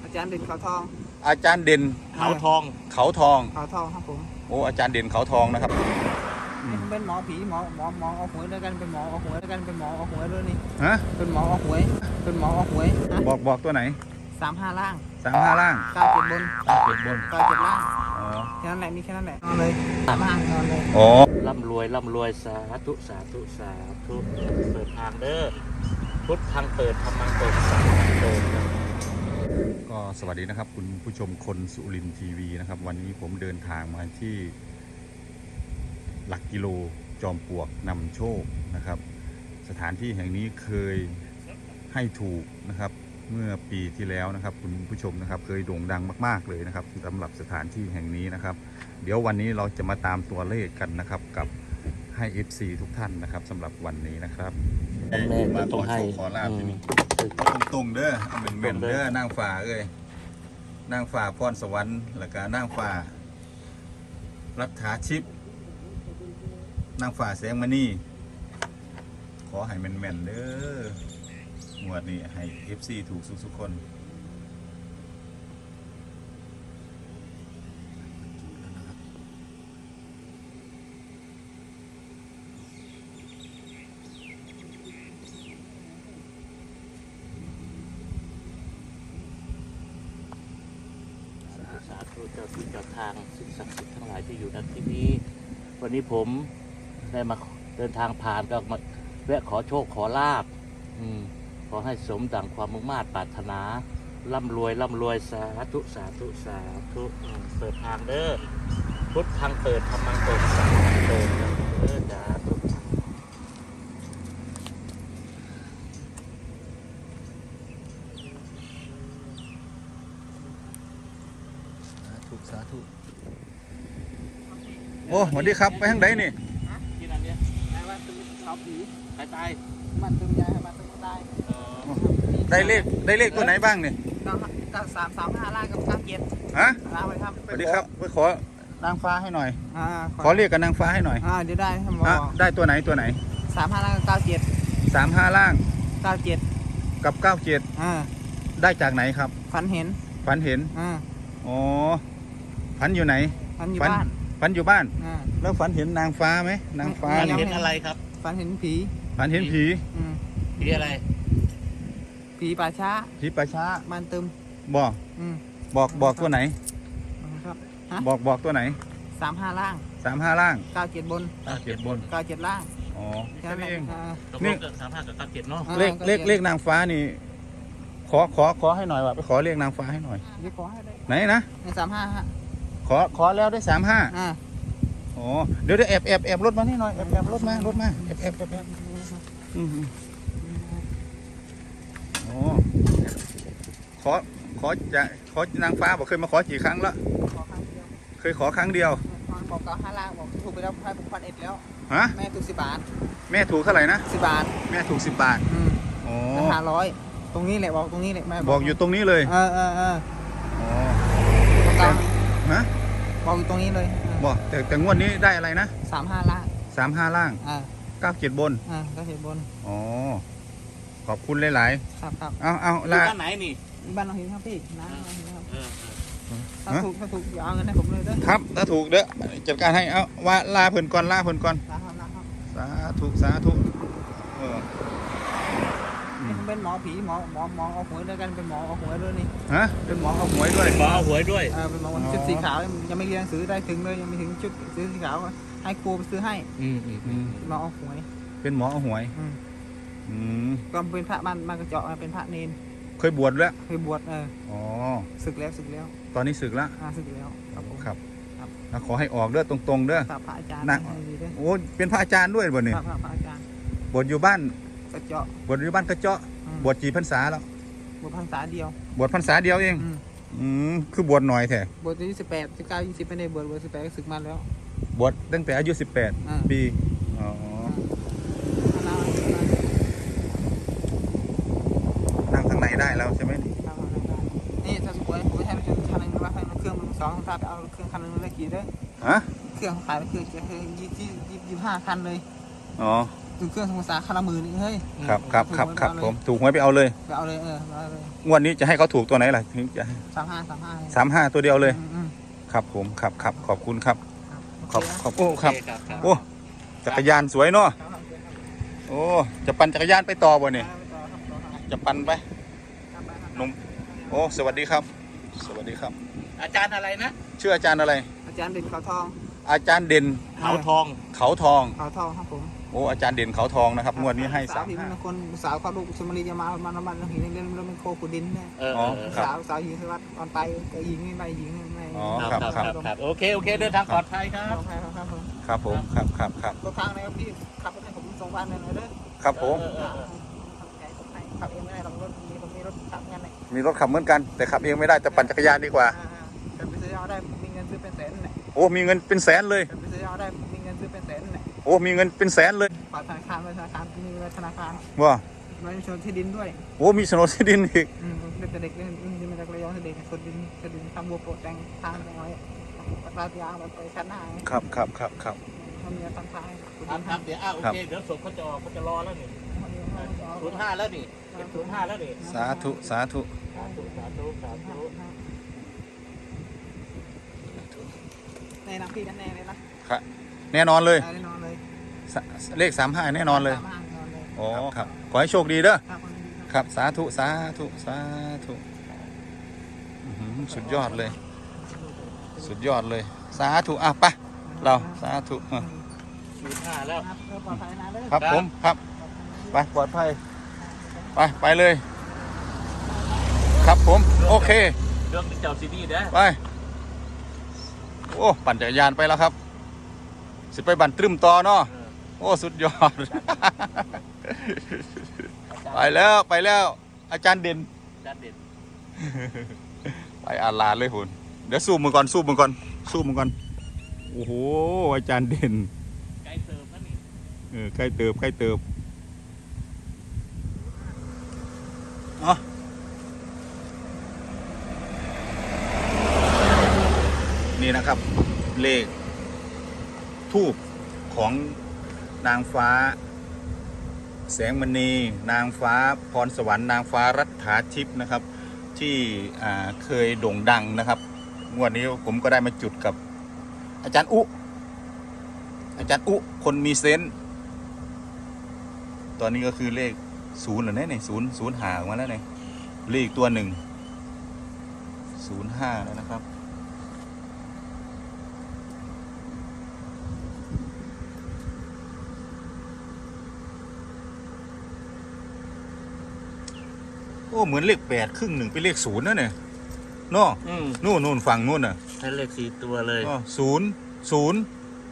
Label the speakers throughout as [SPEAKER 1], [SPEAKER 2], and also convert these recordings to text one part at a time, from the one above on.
[SPEAKER 1] อาจารย์เด่นเขาทอง
[SPEAKER 2] อาจารย์เด่น
[SPEAKER 3] เขาทอง
[SPEAKER 2] เขาทอง
[SPEAKER 1] เขาทองครับผม
[SPEAKER 2] โอ้อาจารย์เด่นเขาทองนะครับ
[SPEAKER 1] เป็นหมอผีหมอเอาหวยด้วยกันเป็นหมอเอาหวยด้วยกันเป็นหมอเอาหวยด้วยนี่
[SPEAKER 2] ฮะ
[SPEAKER 1] เป็นหมอเอาหวยเป็นหมอเอาหวยนะ
[SPEAKER 2] บอกตัวไหน
[SPEAKER 1] 35 ล่าง
[SPEAKER 2] 35 ล่าง
[SPEAKER 1] 97 บน
[SPEAKER 2] เจ็ดบน
[SPEAKER 1] 97 ล่าง
[SPEAKER 2] อ๋อ
[SPEAKER 1] แค่นั้นแหละมีแค่นั้นแหละนอนเลย35นอนเลย
[SPEAKER 2] อ๋อ
[SPEAKER 3] ร่ำรวยร่ำรวยสาธุสาธุสาธุเปิดทางเด้อพุทธทางเปิดธรรมังเปิดสังฆังเปิด
[SPEAKER 2] ก็สวัสดีนะครับคุณผู้ชมคนสุรินทร์ทีวีนะครับ วันนี้ผมเดินทางมาที่หลักกิโลจอมปลวกนำโชคนะครับ สถานที่แห่งนี้เคยให้ถูกนะครับเมื่อปีที่แล้วนะครับคุณผู้ชมนะครับเคยโด่งดังมากๆเลยนะครับสำหรับสถานที่แห่งนี้นะครับ เดี๋ยววันนี้เราจะมาตามตัวเลขกันนะครับกับให้ FC ทุกท่านนะครับสำหรับวันนี้นะครับ
[SPEAKER 3] แม่
[SPEAKER 2] มา
[SPEAKER 3] ก็
[SPEAKER 2] ข
[SPEAKER 3] ต้อ
[SPEAKER 2] อง
[SPEAKER 3] ให้
[SPEAKER 2] โชคขอลาบที่นี่ตรงๆเด้อเอาเหม็นๆเด้อนางฟ้าเอ้ยนางฟ้าพรสวรรค์แล้วก็นางฟ้ารัฐาชิพนางฟ้าแสงมณีขอให้แม่นๆเด้องวดนี้ให้ FC ถูกสุกๆคน
[SPEAKER 3] สาธุเจ้าที่เจ้าทางสิ่งศักดิ์สิทธิ์ทั้งหลายที่อยู่ณที่นี้ วันนี้ผมได้มาเดินทางผ่านก็มาแวะขอโชคขอลาบขอให้สมดังความมุ่งมา่ปรารถนาร่ำรวยร่ำรวยสาธุสาธุสาธุเปิดทางเด้อพุทธทางเปิดธรรมังเปิดสังฆังเปิดเด้อสาธุ
[SPEAKER 2] สาธุโอ้สวัสดีครับไปทางไหนนี่
[SPEAKER 3] ที่นั่นเนี่ย
[SPEAKER 1] นายว่าตึงเขาผี
[SPEAKER 3] ใครตาย
[SPEAKER 1] มันตึงยายมันตึงได้
[SPEAKER 2] ได้เลขตัวไหนบ้างนี่
[SPEAKER 1] ก็335 ล่างกับ97
[SPEAKER 2] ฮะ
[SPEAKER 1] ล่างไปครับ
[SPEAKER 2] สวัสดีครับไปขอนางฟ้าให้หน่อย ขอเรียกกับนางฟ้าให้หน่อย
[SPEAKER 1] เดี๋ยวได้ครับหมอ
[SPEAKER 2] ได้ตัวไหน
[SPEAKER 1] 35 ล่างกับ97
[SPEAKER 2] 35 ล่าง
[SPEAKER 1] 97
[SPEAKER 2] กับ97ได้จากไหนครับ
[SPEAKER 1] ฝันเห็น
[SPEAKER 2] ฝันเห็นอ๋อฝันอยู่ไหน
[SPEAKER 1] ฝันอยู่บ้าน
[SPEAKER 2] ฝันอยู่บ้าน
[SPEAKER 1] อ่า
[SPEAKER 2] แล้วฝันเห็นนางฟ้าไหมนางฟ้า
[SPEAKER 3] ฝัน
[SPEAKER 2] นี่
[SPEAKER 3] เห็นอะไรครับ
[SPEAKER 1] ฝันเห็นผี
[SPEAKER 2] ฝันเห็นผี
[SPEAKER 3] ผีอะไร
[SPEAKER 1] ผีป่าช้า
[SPEAKER 2] ผีป่าช้า
[SPEAKER 1] มันตึม
[SPEAKER 2] บอก
[SPEAKER 1] อืม
[SPEAKER 2] บอกตัวไหน
[SPEAKER 1] ครับ
[SPEAKER 2] บอกตัวไหน
[SPEAKER 1] 35 ล่าง
[SPEAKER 2] 35 ล่าง
[SPEAKER 1] 97 บน
[SPEAKER 2] 97 บน
[SPEAKER 1] 97 ล่าง
[SPEAKER 2] อ๋อแค่
[SPEAKER 1] นั้น
[SPEAKER 2] นี้เอง
[SPEAKER 3] ตกลงเกิด35กับ97เนาะ
[SPEAKER 2] เลขนางฟ้านี่ขอให้หน่อยว่ะไปขอเลขนางฟ้าให้หน่อย
[SPEAKER 1] เดี๋ยวขอให้ได้
[SPEAKER 2] ไหนนะ
[SPEAKER 1] ใน35ฮะ
[SPEAKER 2] ขอแล้วได้35
[SPEAKER 1] อ่า
[SPEAKER 2] อ๋อเดี๋ยวแอบรถมานี่หน่อยแอบรถมาแอบอืมอ๋อขอนางฟ้าบอกเคยมาขอกี่ครั้งแล้ว
[SPEAKER 1] ขอครั้งเดียว
[SPEAKER 2] เคยขอครั้งเดียว
[SPEAKER 1] บอก95 ล่างบอกถูกไปแล้วให้ผม1,000 เอ็ดแล้ว
[SPEAKER 2] ฮะ
[SPEAKER 1] แม่ถูก10 บาท
[SPEAKER 2] แม่ถูกเท่าไหร่นะ
[SPEAKER 1] 10 บาท
[SPEAKER 2] แม่ถูก10 บาท อ๋อ
[SPEAKER 1] 500ตรงนี้แหละบอกตรงนี้แหละแม่
[SPEAKER 2] บอกอยู่ตรงนี้เลย
[SPEAKER 1] เออ
[SPEAKER 2] อ๋อ
[SPEAKER 1] บอก
[SPEAKER 2] ฮะ
[SPEAKER 1] อยู่ตรงนี้เลย
[SPEAKER 2] บอกแต่งวดนี้ได้อะไรนะ
[SPEAKER 1] 35 ล่าง
[SPEAKER 2] 35 ล่าง 97 บน
[SPEAKER 1] ก็เห็นบน
[SPEAKER 2] อ๋อขอบคุณหลาย
[SPEAKER 1] ครับ
[SPEAKER 2] ๆเอา
[SPEAKER 3] อยู่
[SPEAKER 2] ลา
[SPEAKER 3] บ้านไหนนี่
[SPEAKER 1] บ้านเราเห็นครับพี่น้าเราเห็นครับ
[SPEAKER 3] เออ
[SPEAKER 1] ถ้าถูกอย่าเอาเงินให้ผมเลยเด้อ
[SPEAKER 2] ครับถ้าถูกเด้อจัดการให้เอาว่าลาเพิ่นก่อน
[SPEAKER 1] นะครับ
[SPEAKER 2] สาธุเออ
[SPEAKER 1] เป็นหมอผีหมอเอาหวยด้วยกันเป็นหมอเอาหวยด้วยนี่
[SPEAKER 2] ฮะเป็นหมอเอาหวยด้วย
[SPEAKER 3] ขอเอาหวยด้วย
[SPEAKER 1] เป็นหมอชุดสีขาวยังไม่เรียนหนังสือได้ถึงเลยยังไม่ถึงชุดสีขาวให้ครูไปซื้อให้หมอเอาหวย
[SPEAKER 2] เป็นหมอเอาหวย
[SPEAKER 1] ก็เป็นพระมันกระเจาะเป็นพระเนน
[SPEAKER 2] เคยบวชแล้ว
[SPEAKER 1] เคยบวช
[SPEAKER 2] อ๋อ
[SPEAKER 1] ศึกแล้ว
[SPEAKER 2] ตอนนี้ศึกแล้ว
[SPEAKER 1] ศึกแล้วครับผม
[SPEAKER 2] ครับแล้วขอให้ออกเด้อตรงๆเด้อ
[SPEAKER 1] พระอาจารย์
[SPEAKER 2] นะโอ้เป็นพระอาจารย์ด้วยบ่เนี่ย
[SPEAKER 1] พระอาจารย์
[SPEAKER 2] บวชอยู่บ้าน
[SPEAKER 1] กระเจาะ
[SPEAKER 2] บวชอยู่บ้านกระเจาะบวชกี่พรรษาแล้ว
[SPEAKER 1] บวชพรรษาเดียว
[SPEAKER 2] บวชพรรษาเดียวเองคือบวชหน่อยแท้
[SPEAKER 1] บวชอายุ18 19 20ไม่ได้บวช18ก็ศึกมาแล้ว
[SPEAKER 2] บวชตั้งแต่อายุ18 ปีอ๋อนั่งทางไหนได้แล้วใช่ไหม
[SPEAKER 1] นี่ถ้าสมมติผมใช้เป็นคันนึงว่าเครื่องมัน2ถ้าไปเอาเครื่องคันนึงเลยกี่เด้อ
[SPEAKER 2] ฮะ
[SPEAKER 1] เครื่องขายเป็นเครื่อง25 คันเลย
[SPEAKER 2] อ๋อ
[SPEAKER 1] ดูเครื่องสมุทรสาครมือนี่เฮ้ย
[SPEAKER 2] ครับผมถูกหวยไปเอาเลย
[SPEAKER 1] ไปเอาเลยไปเอาเลย
[SPEAKER 2] งวดนี้จะให้เขาถูกตัวไหนล่ะถึงจะ
[SPEAKER 1] 35
[SPEAKER 2] ตัวเดียวเลย
[SPEAKER 1] อืม
[SPEAKER 2] ครับผมครับขอบคุณครับ
[SPEAKER 1] ๆ
[SPEAKER 2] ขอบโอ้ครับ
[SPEAKER 3] โอเครับ
[SPEAKER 2] โอ้จักรยานสวยเนาะ
[SPEAKER 1] ครับ
[SPEAKER 2] โอ้จะปั่นจักรยานไปต่อบ่เนี่ยจะปั่นไปหนุ่มโอ้สวัสดีครับ สวัสดีครับ
[SPEAKER 3] อาจารย์อะไรนะ
[SPEAKER 2] ชื่ออาจารย์อะไร
[SPEAKER 1] อาจารย์เด่นเขาทอง
[SPEAKER 2] อาจารย์เด่น
[SPEAKER 3] เขาทอง
[SPEAKER 2] เขาทอง
[SPEAKER 1] เขาทองครับผม
[SPEAKER 2] โอ้อาจารย์เด่นเขาทองนะครับงวดนี้ให้
[SPEAKER 1] สาวหินคนสาวเขาลูกชมรีจะมาหินเล่นแล้วมันโคขุดดินเนี่ย สาวหินสวัสดิ์ตอนไปก็ยิงไม่ยิงไม่
[SPEAKER 2] อ๋อ
[SPEAKER 3] ครับโอเคเดินทางปลอดภัยครับ
[SPEAKER 1] ครับผม
[SPEAKER 2] ครับ
[SPEAKER 1] ตัวทางนะครับพี่ขับรถให้ผมส่งบ้านเลยเด้อ
[SPEAKER 2] ครับผม
[SPEAKER 1] ขับเองไม่ได้รถมีรถขับงั้นเลย
[SPEAKER 2] มีรถขับเหมือนกัน แต่ขับเองไม่ได้แต่ปั่นจักรยานดีกว่า
[SPEAKER 1] จะไปซื้อยาได้มีเงินซื้อเป็นแสนเนี่ย
[SPEAKER 2] โอ้มีเงินเป็นแสนเลย
[SPEAKER 1] จะไปซื้อยาได้มีเงินซื้อเป็นแสนเนี่ย
[SPEAKER 2] โอ้มีเงินเป็นแสนเลย
[SPEAKER 1] ฝากธนาคารมีธนาคาร
[SPEAKER 2] ว่า
[SPEAKER 1] มันชนที่ดินด้วย
[SPEAKER 2] โอ้มีโฉนดที่ดินอีก
[SPEAKER 1] เด็กเด็กเล่นมาจากระยองเด็กคนดินทำบัวโปรดแตงทางน้อยราดยางไปชั้นหน้า
[SPEAKER 2] ครับ
[SPEAKER 1] เขามีทางซ้าย
[SPEAKER 3] ครับเดี๋ยวโอเคเดี๋ยวศพเขาจะออกเขาจะรอแล้วนี่05แล้วนี่05แล้วนี่
[SPEAKER 2] สาธุ
[SPEAKER 3] สาธุ
[SPEAKER 1] ในน้ำพี่กันแน่เลยนะครับ
[SPEAKER 2] แน่นอนเลย
[SPEAKER 1] แน่นอนเลย
[SPEAKER 2] เลข35แน่นอนเลย
[SPEAKER 1] นอนเลย
[SPEAKER 2] อ๋อครับขอให้โชคดีเด้อ
[SPEAKER 1] ครับ
[SPEAKER 2] ครับสาธุสุดยอดเลย สาธุไปเราสาธุ
[SPEAKER 3] 05แล้ว
[SPEAKER 1] ปลอดภัยนะเลย
[SPEAKER 2] ครับผมครับไปปลอดภัยไปเลย ครับผมโอเค
[SPEAKER 3] เรื่องเจ้าซีดีเด้อ
[SPEAKER 2] ไปโอ้ปั่นจักรยานไปแล้วครับสิไปบันตรึมต่อเนาะโอ้สุดยอด ไปแล้วอาจารย์เด่น
[SPEAKER 3] อาจารย์เด่น
[SPEAKER 2] ไปอาลาเลยคุณเดี๋ยวสู้มือก่อนโอ้โหอาจารย์เด่น
[SPEAKER 3] ไกลเติมนั่นนี่
[SPEAKER 2] ใกล้เติบอ๋อนี่นะครับเลขทูปของนางฟ้าแสงมณีนางฟ้าพรสวรรค์นางฟ้ารัฐาทิพย์นะครับที่เคยโด่งดังนะครับงวดนี้ผมก็ได้มาจุดกับอาจารย์อุคนมีเซนส์ตอนนี้ก็คือเลข0เหรอเนี่ย0หาออกมาแล้วเนี่ยเลขตัว1 05แล้วนะครับโอ้เหมือนเลข8ครึ่งหนึ่งเป็นเลข0นะเนี่ยเนาะนู่นฝั่งนู่นน่ะ
[SPEAKER 3] ให้เลข4ตัวเลย
[SPEAKER 2] อ๋อ0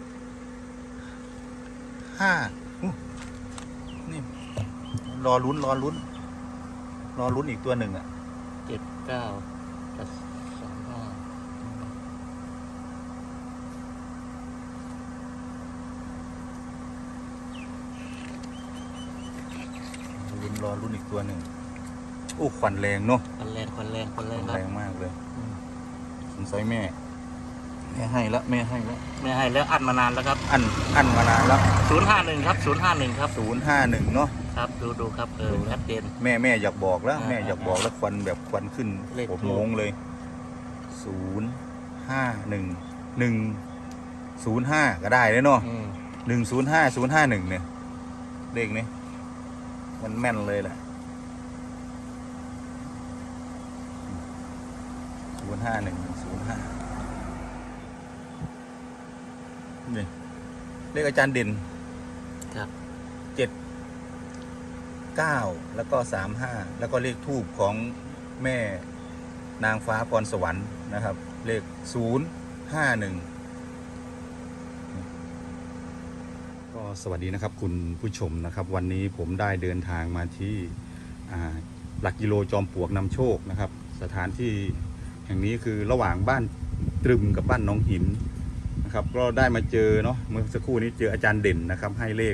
[SPEAKER 2] 5นี่รอลุ้นอีกตัวหนึ่งอ่ะ
[SPEAKER 3] 79กับ35
[SPEAKER 2] รอลุ้นอีกตัวหนึ่งโอ้ขวัญแรงเนาะ
[SPEAKER 3] คนแรงครับ
[SPEAKER 2] แรงมากเลยสงสัยแม่ให้แล้ว
[SPEAKER 3] ไม่ให้แล้วอัดมานานแล้วครับ
[SPEAKER 2] อันมานานแล้ว
[SPEAKER 3] 051ครับ051ครับ
[SPEAKER 2] 051เนาะ
[SPEAKER 3] ครับดูครับชัดเจน
[SPEAKER 2] แม่อยากบอกแล้วแม่อยากบอกแล้วควันแบบควันขึ้น
[SPEAKER 3] เลข
[SPEAKER 2] ผมงงเลย051 105ก็ได้เลยเนาะ105051เนี่ยเลขนี้มันแม่นเลยแหละ051 105นี่เลขอาจารย์เด่น
[SPEAKER 3] ครับ
[SPEAKER 2] 9แล้วก็35แล้วก็เลขทูปของแม่นางฟ้าพรสวรรค์นะครับเลข051ก็สวัสดีนะครับคุณผู้ชมนะครับวันนี้ผมได้เดินทางมาที่หลักกิโลจอมปลวกนำโชคนะครับสถานที่แห่งนี้คือระหว่างบ้านตรึมกับบ้านหนองหินนะครับก็ได้มาเจอเนาะเมื่อสักครู่นี้เจออาจารย์เด่นนะครับให้เลข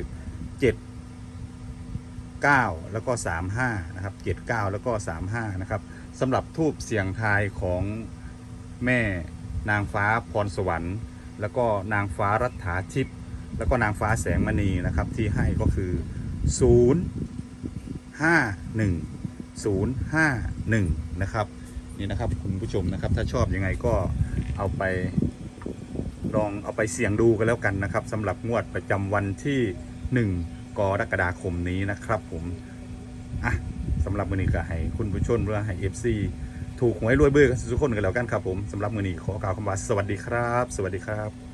[SPEAKER 2] 9แล้วก็35นะครับ79แล้วก็35นะครับสำหรับทูปเสียงทายของแม่นางฟ้าพรสวรรค์แล้วก็นางฟ้ารัฐาทิพย์แล้วก็นางฟ้าแสงมณีนะครับที่ให้ก็คือ051นะครับนี่นะครับคุณผู้ชมนะครับถ้าชอบยังไงก็เอาไปลองเอาไปเสี่ยงดูกันแล้วกันนะครับสำหรับงวดประจำวันที่1 กรกฎาคมนี้นะครับผมสำหรับมื้อนี้ก็ให้คุณผู้ชมหรือให้ FC ถูกหวยรวยเบอร์กันทุกคนกันแล้วกันครับผมสำหรับมื้อนี้ขอกล่าวคำว่าสวัสดีครับสวัสดีครับ